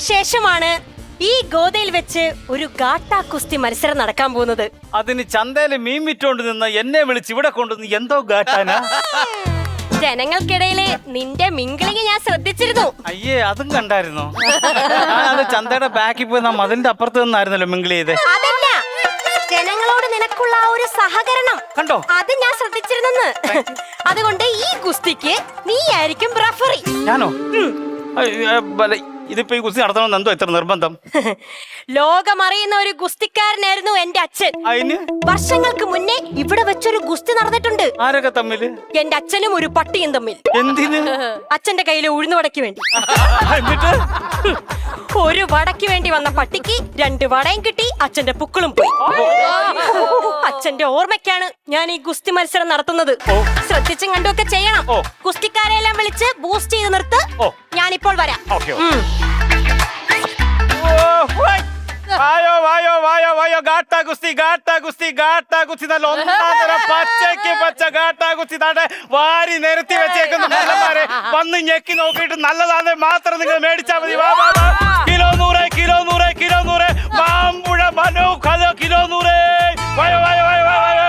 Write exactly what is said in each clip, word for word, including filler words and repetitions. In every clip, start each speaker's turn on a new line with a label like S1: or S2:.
S1: ശേഷമാണ് ഈ ഗോതയിൽ വെച്ച് ഒരു ഗാട്ടാ കുസ്തി മത്സരം നടക്കാൻ പോകുന്നത്.
S2: അതിന് ചന്തയില് മീൻ വിറ്റോണ്ട് നിന്ന് എന്നെ വിളിച്ച് ഇവിടെ കൊണ്ടുവന്ന് എന്തോ ഗാട്ടാനാ?
S1: ജനങ്ങൾക്കിടയില് നിന്റെ മിങ്കിളിങ് ഞാൻ ശ്രദ്ധിച്ചിരുന്നു.
S2: അയ്യേ, അതും കണ്ടായിരുന്നോ? അത് ചന്തയുടെ ബാക്കിൽ പോയി നാം അതിന്റെ അപ്പുറത്ത് നിന്നായിരുന്നല്ലോ മിങ്കിൾ ചെയ്ത്.
S1: അതല്ല, ജനങ്ങളോട് നിനക്കുള്ള ആ ഒരു സഹകരണം
S2: കണ്ടോ?
S1: അത് ഞാൻ ശ്രദ്ധിച്ചിരുന്നെന്ന്. അതുകൊണ്ട് ഈ കുസ്തിക്ക് നീ ആയിരിക്കും റഫറി.
S2: ഞാനോ? ഇതിപ്പോ ഈ കുസ്തി നടത്തണമെന്ന് എന്തോ ഇത്ര നിർബന്ധം?
S1: ലോകമറിയുന്ന ഒരു ഗുസ്തിക്കാരനായിരുന്നു എന്റെ അച്ഛൻ.
S2: അതിന്
S1: വർഷങ്ങൾക്ക് മുന്നേ ഇവിടെ വെച്ചൊരു ഗുസ്തി നടന്നിട്ടുണ്ട്.
S2: ആരൊക്കെ തമ്മില്?
S1: എന്റെ അച്ഛനും ഒരു പട്ടിയും തമ്മിൽ.
S2: എന്തിന്?
S1: അച്ഛന്റെ കയ്യില് ഉഴുന്നു വടയ്ക്ക് വേണ്ടി.
S2: എന്നിട്ട്
S1: ഒരു വടയ്ക്ക് വേണ്ടി വന്ന പട്ടിക്ക് രണ്ട് വടയും കിട്ടി, അച്ഛന്റെ പുക്കളും പോയി. അച്ഛന്റെ ഓർമ്മയ്ക്കാണ് ഞാൻ ഈ ഗുസ്തി മത്സരം നടത്തുന്നത്. ശ്രദ്ധിച്ചും കണ്ടുമൊക്കെ ചെയ്യണം. ഗുസ്തിക്കാരെല്ലാം വിളിച്ച് ബൂസ്റ്റ് ചെയ്ത് നിർത്ത്. ഞാനിപ്പോൾ വരാം.
S2: വായോ വായോ വായോ വായോ ഗാട്ടാ ഗുസ്തി ഗാട്ടാ ഗുസ്തി ഗാട്ടാ ഗുസ്തി നല്ല ഒന്നാന്തരം പച്ചയ്ക്ക് പച്ച ഗാട്ടാ ഗുസ്തി താണ്ടെ വാരി നിരത്തി വെച്ചേക്കുന്ന മല്ലന്മാരെ വന്ന് ഞെക്കി നോക്കിയിട്ട് നല്ലതാണെ മാത്രം നിങ്ങൾ മേടിച്ചാൽ മതി. വാ വാ വാ. കിലോ നൂറ് കിലോ നൂറ് കിലോ നൂറ് മാമ്പുഴ മനോ കല കിലോ നൂറ്. വായോ വായോ വായോ വായോ.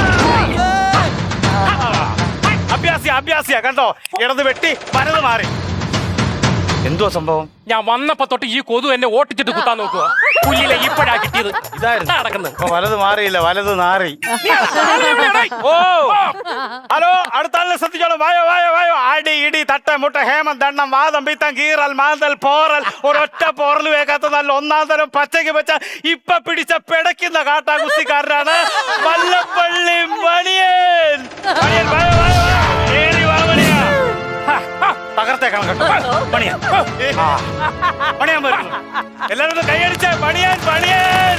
S2: അഭ്യാസിയ അഭ്യാസിയ കണ്ടോ? ഇടത് വെട്ടി വലത് മാറി. എന്തോ സംഭവം?
S3: ഞാൻ വന്നപ്പോ തൊട്ട് ഈ കൊതു എന്നെ ഓട്ടിച്ചിട്ട് കുത്താൻ നോക്കുക. പുല്ലിലെ ഇപ്പഴാ കിട്ടിയത്.
S2: ഇതായിരുന്നു
S3: നടക്കുന്നത്.
S2: വലത് മാറിയില്ല, വലത് നാറി. ഓ ഹലോ, അടുത്ത ആളിനെ ശ്രദ്ധിച്ചോളൂ. വായോ വായോ വായോ. അടി ഇടി തട്ട മുട്ട ഹേമം ദണ്ണം വാദം പിത്തം കീറൽ മാന്തൽ പോറൽ ഒരൊറ്റ പോറൽ വേക്കാത്ത നല്ല ഒന്നാം തരം പച്ചയ്ക്ക് വെച്ച ഇപ്പൊ പിടിച്ച പിടയ്ക്കുന്ന കാട്ടാ കുസ്തിക്കാരനാണ് വല്ലപ്പള്ളി മണിയൻ. മണിയൻ വായോ വായോ വായോ. തകർത്തേക്കണം കേട്ടോ പണിയാൻ. പണിയാൻ വരുന്നു. എല്ലാവരും ഒന്ന് കൈയടിച്ചേ. പണിയാൻ പണിയാൻ.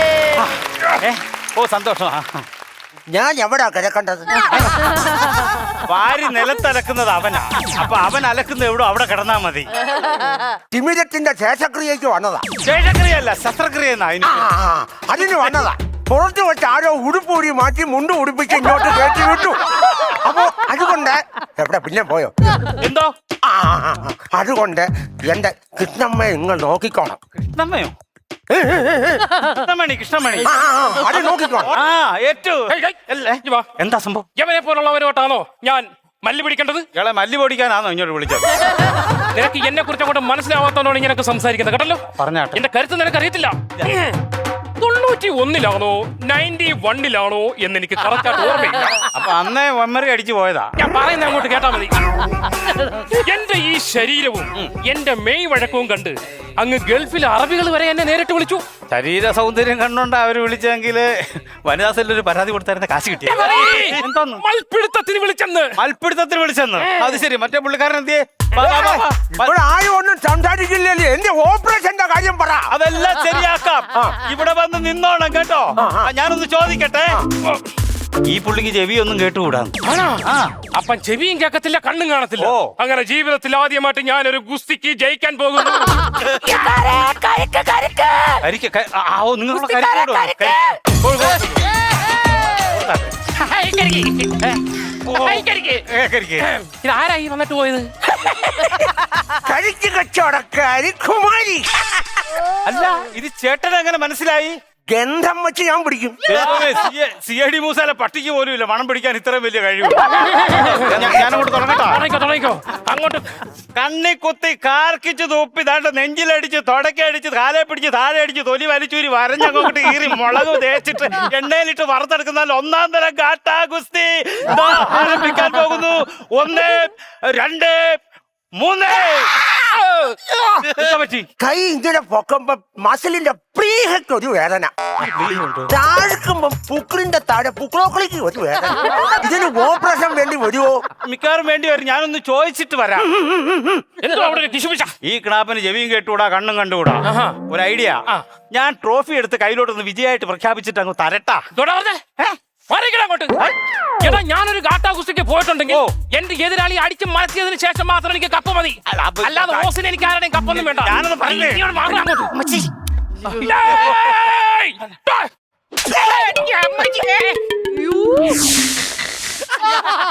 S2: ഓ സന്തോഷം.
S4: ഞാൻ എവിടാ കിടക്കേണ്ടത്?
S2: വാരി നിലത്തലക്കുന്നത് അവനാ. അപ്പൊ അവൻ അലക്കുന്ന എവിടോ അവിടെ കിടന്നാ മതി.
S4: തിമിരത്തിന്റെ ശേഷക്രിയക്ക് വന്നതാ.
S2: ശേഷക്രിയല്ല, ശസ്ത്രക്രിയ എന്നാ.
S4: അതിന് വന്നതാ. പുറത്ത് വെച്ച് ആരോ ഉടുപ്പൂടി മാറ്റി മുണ്ട് ഉടുപ്പിച്ച് ഇങ്ങോട്ട് കയറ്റി വിട്ടു. അപ്പോ അതുകൊണ്ട് എവിടെ പിന്നെ പോയോ
S2: എന്തോ?
S4: അതുകൊണ്ട് എന്റെ കൃഷ്ണമ്മയെ നിങ്ങൾ നോക്കിക്കോണം.
S2: കൃഷ്ണമ്മയോ? കൃഷ്ണമണി കൃഷ്ണമണി
S4: അത് നോക്കിക്കോണം.
S2: ആ ഏറ്റു. എന്താ സംഭവം?
S3: യവനെ പോലുള്ളവരോട്ടാണോ ഞാൻ മല്ലി പിടിക്കേണ്ടത്?
S2: ഇയാളെ മല്ലി പൊടിക്കാനാണോ ഇങ്ങോട്ട് വിളിച്ചത്?
S3: നിനക്ക് എന്നെ കുറിച്ച് അങ്ങോട്ട് മനസ്സിലാവാത്തോണ്ടാണ് ഇങ്ങനെയൊക്കെ സംസാരിക്കുന്നത് കേട്ടല്ലോ.
S2: പറഞ്ഞാട്ടെ.
S3: എന്റെ കരുത്ത് നിനക്ക് അറിയത്തില്ല. തൊണ്ണൂറ്റി ഒന്നിലാണോ നയൻറ്റി വണ്ണിലാണോ എന്ന് എനിക്ക് കറക്റ്റായിട്ട് ഓർമ്മയില്ല.
S2: അപ്പൊ അന്നേ മെമ്മറി അടിച്ചു പോയതാ.
S3: ഞാൻ പറയുന്ന അങ്ങോട്ട് കേട്ടാ മതി. എന്റെ ഈ ശരീരവും എന്റെ മെയ് വഴക്കവും കണ്ട് അങ്ങ് ഗൾഫിലെ അറബികൾ വരെ എന്നെ നേരിട്ട് വിളിച്ചു.
S2: ശരീര സൗന്ദര്യം കണ്ടോണ്ട് അവര് വിളിച്ചെങ്കിൽ വനിതാ സെല്ലിൽ ഒരു പരാതി കൊടുത്തായിരുന്ന കാശ് കിട്ടിയ. എന്തോന്ന്?
S3: മൽപിടുത്തത്തിന് വിളിച്ചെന്ന്.
S2: മൽപിടുത്തത്തിന് വിളിച്ചെന്ന്? അത് ശരി. മറ്റേ പുള്ളിക്കാരൻ എന്തിയെ?
S4: ആരും ഒന്നും സംസാരിക്കില്ലല്ലേ? എന്റെ ഓപ്പറേഷന്റെ കാര്യം പറ.
S2: അതെല്ലാം ശരിയാക്കാം. ഇവിടെ വന്ന് നിന്നോണം കേട്ടോ. ഞാനൊന്ന് ചോദിക്കട്ടെ, ഈ പുള്ളിക്ക് ചെവി ഒന്നും കേട്ടുകൂടാ?
S3: അപ്പം ചെവിയും കേൾക്കത്തില്ല, കണ്ണും കാണത്തില്ല. അങ്ങനെ ജീവിതത്തിൽ ആദ്യമായിട്ട് ഞാനൊരു ഗുസ്തിക്ക് ജയിക്കാൻ പോകുന്നു. ഇതാരായി വന്നിട്ട് പോയത്?
S4: കഴിച്ചു കച്ചവടക്കാരി കുമാരി.
S2: അല്ല, ഇത് ചേട്ടൻ എങ്ങനെ മനസ്സിലായി?
S4: ഗന്ധം വെച്ച് ഞാൻ പിടിക്കും.
S2: സി ഐ ഡി മൂസാല പട്ടിക്ക് പോലും ഇല്ല മണം പിടിക്കാൻ ഇത്രയും വലിയ കഴിവ്. ഞാനങ്ങോട്ട് തുടങ്ങട്ടോ.
S3: അങ്ങോട്ട്
S2: കണ്ണി കുത്തി കാർക്കിച്ച് തുപ്പി ദാണ്ട് നെഞ്ചിലടിച്ച് തുടക്കടിച്ച് കാലെ പിടിച്ച് താഴെ അടിച്ച് തൊലി വലിച്ചൂരി വരഞ്ഞങ്ങോട്ട് കീറി മുളക് തേച്ചിട്ട് എണ്ണയിലിട്ട് വറുത്തെടുക്കുന്ന ഒന്നാം തരം ഗാട്ടാ ഗുസ്തി ആരംഭിക്കാൻ പോകുന്നു. ഒന്ന് രണ്ട് മൂന്ന്.
S4: കൈ ഇങ്ങനെ പൊക്കുമ്പോ മസിലിന്റെ പ്രീഹയ്ക്ക് ഒരു വേദന, താഴ്ക്കുമ്പോ പുക്കിളിന്റെ താഴെ പുക്കളോക്കളിക്ക് ഒരു വേദന. ഇതിന് ഓപ്പറേഷൻ വേണ്ടി വരുമോ?
S2: മിക്കവാറും വേണ്ടി വരും. ഞാനൊന്ന് ചോദിച്ചിട്ട് വരാം. ഈ കിണാപ്പിന് ചെവിയും കേട്ടുകൂടാ, കണ്ണും കണ്ടുകൂടാ. ഒരു ഐഡിയ, ഞാൻ ട്രോഫി എടുത്ത് കയ്യിലോട്ടൊന്ന് വിജയമായിട്ട് പ്രഖ്യാപിച്ചിട്ട് അങ്ങ് തരട്ടാ.
S3: അങ്ങോട്ട് എടാ, ഞാനൊരു ഗാട്ടാ കുസ്തിക്ക് പോയിട്ടുണ്ടെങ്കിൽ എന്റെ എതിരാളി അടിച്ച് മറത്തിയതിനു ശേഷം മാത്രം എനിക്ക് കപ്പ് മതി. അല്ലാതെ ഓസിന് എനിക്ക് ആരുടെയും കപ്പൊന്നും വേണ്ട.
S2: ഞാനൊന്ന് പറഞ്ഞേ.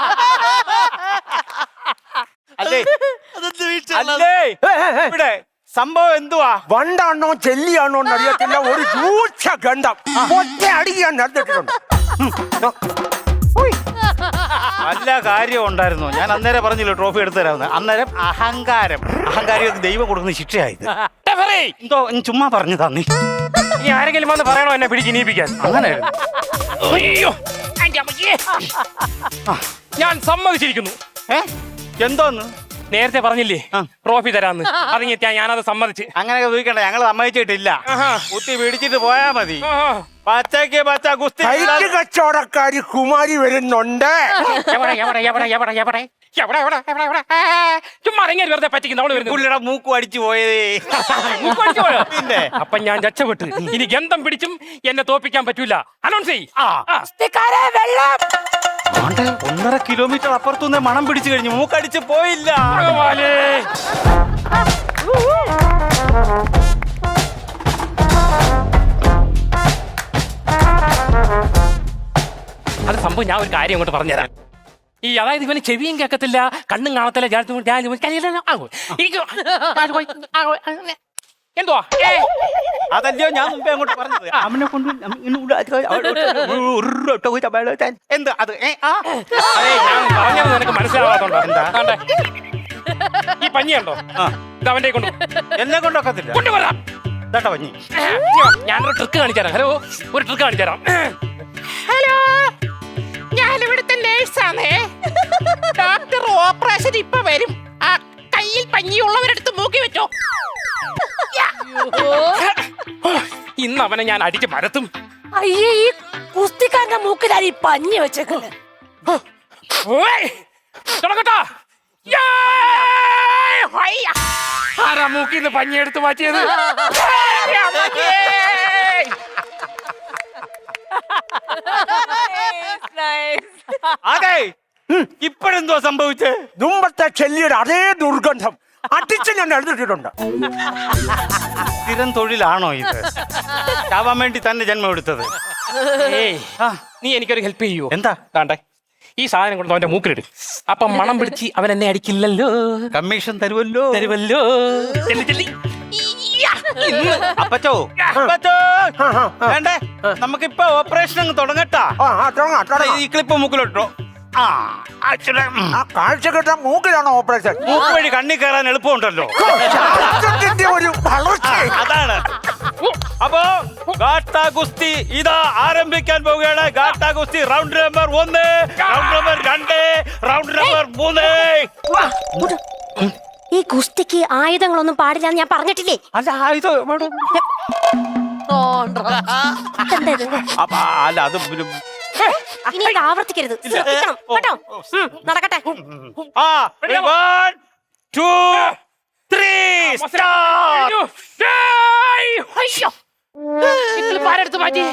S2: അല്ലേ ഇവിടെ സംഭവം എന്തുവാ?
S4: വണ്ടാണോ ചെല്ലിയാണോ എന്നറിയത്തില്ല, ഒരു രൂക്ഷ ഗന്ധം ഒറ്റ അടി ഞാൻ നടന്നിട്ടുണ്ട്.
S2: നല്ല കാര്യം ഉണ്ടായിരുന്നു. ഞാൻ അന്നേരം പറഞ്ഞില്ല ട്രോഫി എടുത്തു തരാമെന്ന്. അന്നേരം അഹങ്കാരം അഹങ്കാരികൾക്ക് ദൈവം കൊടുക്കുന്ന ശിക്ഷയായത്. എന്തോ ചുമ്മാ പറഞ്ഞു തന്നി.
S3: ഇനി ആരെങ്കിലും വന്ന് പറയണോ എന്നെ പിടിച്ച് ഇനിയിപ്പിക്കാൻ?
S2: അങ്ങനെ
S3: അയ്യോ എന്റെ അമ്മയ്യേ. ഞാൻ സമ്മതിച്ചിരിക്കുന്നു.
S2: ഏ എന്തോന്ന്
S3: നേരത്തെ പറഞ്ഞില്ലേ
S2: ആ.
S3: ട്രോഫി തരാന്ന്, അതിങ്ങെത്തിയാ ഞാനത് സമ്മതിച്ച്.
S2: അങ്ങനെയൊക്കെ ചോദിക്കണ്ട, ഞങ്ങൾ സമ്മതിച്ചിട്ടില്ല.
S3: ആഹാ.
S2: കുത്തി പിടിച്ചിട്ട് പോയാ മതി.
S3: ആഹാ.
S2: പച്ചക്ക് പച്ച ഗുസ്തി.
S4: കൈറ്റ് കച്ചവടക്കാരി കുമാരി വരുന്നുണ്ട്.
S3: എവിടെ എവിടെ എവിടെ എവിടെ എവിടെ എവിടെ എവിടെ എവിടെ എവിടെ ഏ, ചുമ്മാ ഇറങ്ങി വെറുതെ പറ്റിക്കുന്ന അവള് വരുന്നു.
S2: പുള്ളിയുടെ മൂക്ക് അടിച്ചു പോയതേ.
S3: മൂക്ക് അടിച്ച് പോയോ?
S2: പിന്നെ
S3: അപ്പൊ ഞാൻ രക്ഷപ്പെട്ടു. ഇനി ഗന്ധം പിടിച്ചും എന്നെ തോപ്പിക്കാൻ പറ്റൂല. അനൗൺസ് ചെയ്യ്.
S2: ആ.
S3: ആ. വെള്ളം.
S2: ആണ്ടെ, ഒന്നര കിലോമീറ്റർ അപ്പുറത്തുനിന്ന് മണം പിടിച്ചു കഴിഞ്ഞു, മൂക്കടിച്ച് പോയില്ല.
S3: ഭഗവാനേ. അത് സംഭവം ഞാൻ ഒരു കാര്യം അങ്ങോട്ട് പറഞ്ഞുതരാം. ഈ അതായത് ഇവന് ചെവിയും കേൾക്കത്തില്ല, കണ്ണും കാണത്തില്ല. ഞാൻ ഞാൻ ഇവൻ കയ്യിലെല്ലാം ആകും. എനിക്ക് എന്തുവാ ഏ,
S2: അതല്ലയോ ഞാൻ മുമ്പേ അങ്ങോട്ട് പറഞ്ഞത്. അവനെ കൊണ്ട് എന്ത് അത് ഏ, ആ.
S3: അതേ, ഞാൻ പറഞ്ഞത് നിനക്ക് മനസ്സിലാവാത്തോണ്ടോ?
S2: എന്താ?
S3: ദാണ്ടെ, ഈ പഞ്ഞിയുണ്ടോ?
S2: ആ.
S3: ഇത് അവന്റെ കൊണ്ട്
S2: എന്നെ കൊണ്ടൊക്കത്തില്ല.
S3: കൊണ്ടുവരാം.
S2: ഇതാട്ടോ പഞ്ഞി.
S3: ഞാനൊരു ട്രിക്ക് കാണിച്ചു തരാം. ഹലോ, ഒരു ട്രിക്ക് കാണിച്ചു തരാം. ഹലോ, ഞാൻ ഇവിടുത്തെ നേഴ്സാണേ. ഡോക്ടർ ഓപ്പറേഷൻ ഇപ്പൊ വരും. ആ കയ്യിൽ പഞ്ഞിയുള്ളവരെടുത്ത് മൂക്കി വെച്ചോ. ഇന്ന് അവനെ ഞാൻ അടിച്ച് പരത്തും.
S1: അയ്യേ, ഈ കുസ്തിക്കാരന്റെ മൂക്കിലാണ് ഈ പഞ്ഞി വെച്ചേക്കുന്നത്.
S3: ഓയ്, തുടങ്ങട്ടോ. ആരാ മൂക്കിന്ന് പഞ്ഞി എടുത്ത് മാറ്റിയത്?
S2: അതെ, ഇപ്പോഴെന്തോ സംഭവിച്ചേ?
S4: മുമ്പത്തെ ചെല്ലിയുടെ അതേ ദുർഗന്ധം അടിച്ച് ഞാൻ എഴുതിട്ടിട്ടുണ്ട്.
S2: സ്ഥിരം തൊഴിലാണോ ഇത്? ചാവാൻ വേണ്ടി തന്നെ ജന്മം എടുത്തത്.
S3: ഏയ്,
S2: ആ,
S3: നീ എനിക്കൊരു ഹെൽപ്പ് ചെയ്യൂ.
S2: എന്താ?
S3: താണ്ടെ, ഈ സാധനം കൊണ്ട് അവന്റെ മൂക്കിലിടും. അപ്പം മണം പിടിച്ച് അവൻ എന്നെ അടിക്കില്ലല്ലോ.
S2: കമ്മീഷൻ തരുമല്ലോ.
S3: തരുമല്ലോ. ചെല്ലി, ചെല്ലി.
S2: അപ്പച്ചോ, അപ്പച്ചോ, വേണ്ടേ? നമുക്കിപ്പോ ഓപ്പറേഷൻ അങ്ങ് തുടങ്ങട്ടാ.
S4: ആ ആ തുടങ്ങാം, തുടങ്ങാം.
S2: ഈ ക്ലിപ്പ് മൂക്കിലിട്ടോ. ആ, അച്ഛനെ, ഉം.
S4: ആ കാഴ്ച കിട്ടാൻ മൂക്കിലാണോ ഓപ്പറേഷൻ?
S2: മൂക്ക് വഴി കണ്ണി കയറാൻ എളുപ്പമുണ്ടല്ലോ.
S4: ശാസ്ത്രത്തിന്റെ ഒരു വളർച്ച.
S2: ആ, അതാണ്. അപ്പോ ഗാട്ടാ ഗുസ്തി ഇതാ ആരംഭിക്കാൻ പോവുകയാണ്. ഗാട്ടാ ഗുസ്തി റൗണ്ട് നമ്പർ ഒന്ന്, റൗണ്ട് നമ്പർ രണ്ട്, റൗണ്ട് നമ്പർ മൂന്ന്.
S1: ഈ കുസ്തിക്ക് ആയുധങ്ങളൊന്നും പാടില്ല ഞാൻ പറഞ്ഞിട്ടില്ലേ?
S2: അല്ല ഇത്
S1: എന്താ ഇത്?
S2: അപ്പ- അല്ല അത് പിന്നെ-
S1: ഇനി ഇത് ആവർത്തിക്കരുത്, ശ്രദ്ധിക്കണം കേട്ടോ. ഉം, നടക്കട്ടെ.
S2: ആ one, two, three, start.
S3: അയ്യോ, നിങ്ങൾ പാരെടുത്ത് മാറ്റി.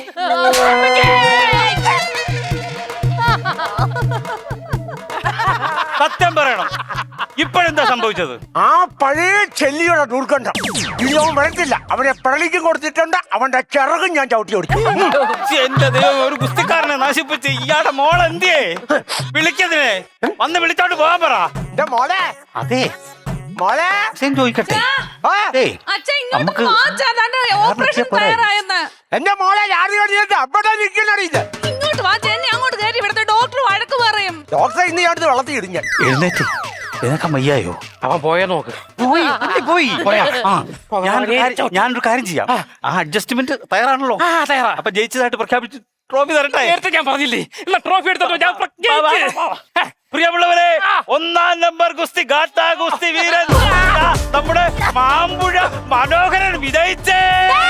S2: സത്യം പറയണം, ഇപ്പോഴെന്താ സംഭവിച്ചത്?
S4: ആ പഴയ ചെല്ലിയുടെ ദുർഗന്ധം ഇനി അവൻ വരത്തില്ല. അവനെ പ്രളിക്കും കൊടുത്തിട്ടുണ്ട്, അവന്റെ ചിറകും ഞാൻ ചവിട്ടി ഓടിച്ചു.
S2: ശ്ശെ, എന്റെ ദൈവം, ഒരു ഗുസ്തിക്കാരനെ നശിപ്പിച്ച് ഇയാളുടെ മോൾ എന്തിയേ? വിളിക്കതിനെ വന്ന് വിളിച്ചോണ്ട് പോകാൻ പറ.
S4: എന്റെ മോളെ,
S2: അതെ,
S4: മോളെ
S2: ഞാൻ ചോദിക്കട്ടെ.
S4: ആ,
S2: ഏയ്, നമുക്ക്
S5: ഓപ്പറേഷൻ തയ്യാറായെന്ന്.
S4: എന്റെ മോളെ യാറി കഴിഞ്ഞിട്ട് അവിടെ നിൽക്കുന്നറിയില്ല.
S5: ഇങ്ങോട്ട് വാ ചേച്ചി, അങ്ങോട്ട് കയറി. ഇവിടുത്തെ ഡോക്ടർ വഴക്ക് പറയും.
S4: ഡോക്ടറെ ഇന്ന് ഞാൻ വളർത്തി ഇടിഞ്ഞ
S2: എഴുന്നേറ്റ് നിനക്ക് വയ്യായോ?
S3: അവൻ പോയാ നോക്ക്.
S2: പോയി പോയി
S3: പോയാ?
S2: ആ, ഞാനൊരു കാര്യം- ഞാനൊരു കാര്യം ചെയ്യാം. ആ അഡ്ജസ്റ്റ്മെന്റ് തയ്യാറാണല്ലോ.
S3: ആ, തയ്യാറാ.
S2: അപ്പൊ ജയിച്ചതായിട്ട് പ്രഖ്യാപിച്ച് ട്രോഫി തരട്ടെ.
S3: നേരത്തെ ഞാൻ പറഞ്ഞില്ലേ, എന്നാ ട്രോഫി എടുത്തോ. ഞാൻ പ്ര- ജയിച്ച്. ഹേ,
S2: പ്രിയമുള്ളവരെ, ഒന്നാം നമ്പർ ഗുസ്തി ഗാട്ടാ ഗുസ്തി വീരൻ ദാ നമ്മുടെ മാമ്പുഴ മനോഹരൻ വിജയിച്ചേ.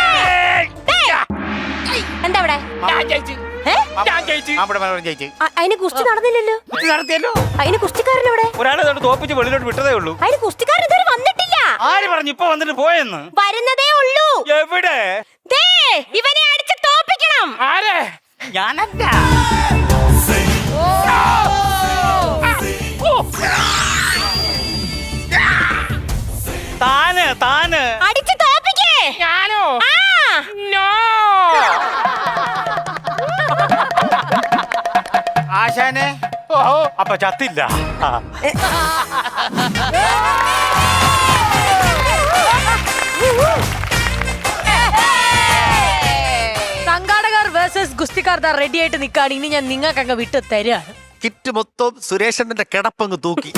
S1: എന്താ ഇവിടെ?
S3: ഞാൻ ജയിച്ചു.
S1: ഏ?
S3: ഞാൻ ജയിച്ചു.
S2: മാമ്പുഴ മനോഹരൻ ജയിച്ചു.
S1: അ- അതിന് കുസ്തി നടന്നില്ലല്ലോ.
S2: ഇത് നടത്തിയല്ലോ.
S1: അതിന് കുസ്തിക്കാരൻ എവിടെ?
S2: ഒരാളെ തൊട്ട് തോപ്പിച്ച് വെളിയിലോട്ട് വിട്ടതേ ഉള്ളൂ.
S1: അതിന് കുസ്തിക്കാരൻ ഇതുവരെ വന്നിട്ടില്ല.
S2: ആര് പറഞ്ഞു ഇപ്പൊ വന്നിട്ട് പോയെന്ന്?
S1: വരുന്നതേ ഉള്ളൂ.
S2: എവിടെ?
S1: ദേ, ഇവനെ അടിച്ച് തോപ്പിക്കണം.
S3: ആരെ?
S2: ഞാനല്ല. താന് താന്
S1: അടിച്ച് തോപ്പിക്കേ.
S3: ഞാനോ?
S1: ആ,
S3: നോ.
S2: ആശാനെ, അപ്പൊ ചത്തില്ല. ആ.
S1: സംഘാടകർ വേഴ്സസ് ഗുസ്തിക്കാർ റെഡി ആയിട്ട് നിൽക്കാണ്. ഇനി ഞാൻ നിങ്ങൾക്ക് അങ്ങ് വിട്ട് തരാണ്.
S6: കിറ്റ് മൊത്തം സുരേഷന്റെ കിടപ്പങ്ങ് തൂക്കി.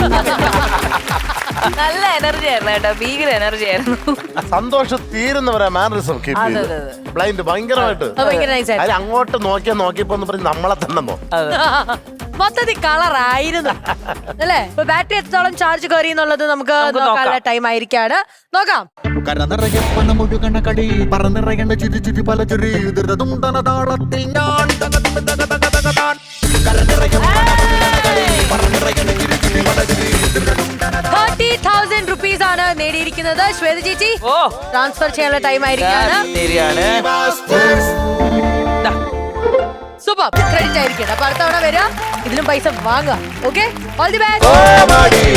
S5: നല്ല എനർജി ആയിരുന്നു കേട്ടോ, ഭീകര എനർജി ആയിരുന്നു.
S7: സന്തോഷം തീരുന്നവരാ മാനറിസം ബ്ലൈൻഡ് ഭയങ്കരമായിട്ട്
S1: അത് ഭയങ്കര nice ആയിരുന്നു.
S7: അതിൽ അങ്ങോട്ട് നോക്കിയാ നോക്കിയപ്പോ എന്ന് പറഞ്ഞ് നമ്മളെ തന്നെ
S1: മൊത്തത്തിൽ കളറായിരുന്നു അല്ലേ? ഇപ്പൊ ബാറ്ററി എത്രത്തോളം ചാർജ് കയറി എന്നുള്ളത് നമുക്ക് നോക്കാനുള്ള ടൈം ആയിരിക്കാണ്. നോക്കാം.
S8: കരനിറയെ പണമൊഴുകണ കടി പറന്നിറയണ ചിരി ചിരി പല ചിരി ദുരിതതുണ്ടന താളത്തിൽ ഞാൻ തകതക തകതക തകതാൻ. കരനിറയെ പണമൊഴുകണ കടി പറന്നിറയണ ചിരി ചിരി പല ചിരി ദുരിതതുണ്ടന
S1: തേർട്ടി തൗസൻഡ് റുപ്പീസ് ആണ് നേടിയിരിക്കുന്നത്. ശ്വേത ചേച്ചി ട്രാൻസ്ഫർ ചെയ്യാനുള്ള ടൈം ആയിരിക്കാണ്. സൂപ്പർ, ക്രെഡിറ്റ് ആയിരിക്കണം. അപ്പൊ അടുത്ത തവണ വരിക, ഇതിലും പൈസ വാങ്ങാം. Okay, all the best.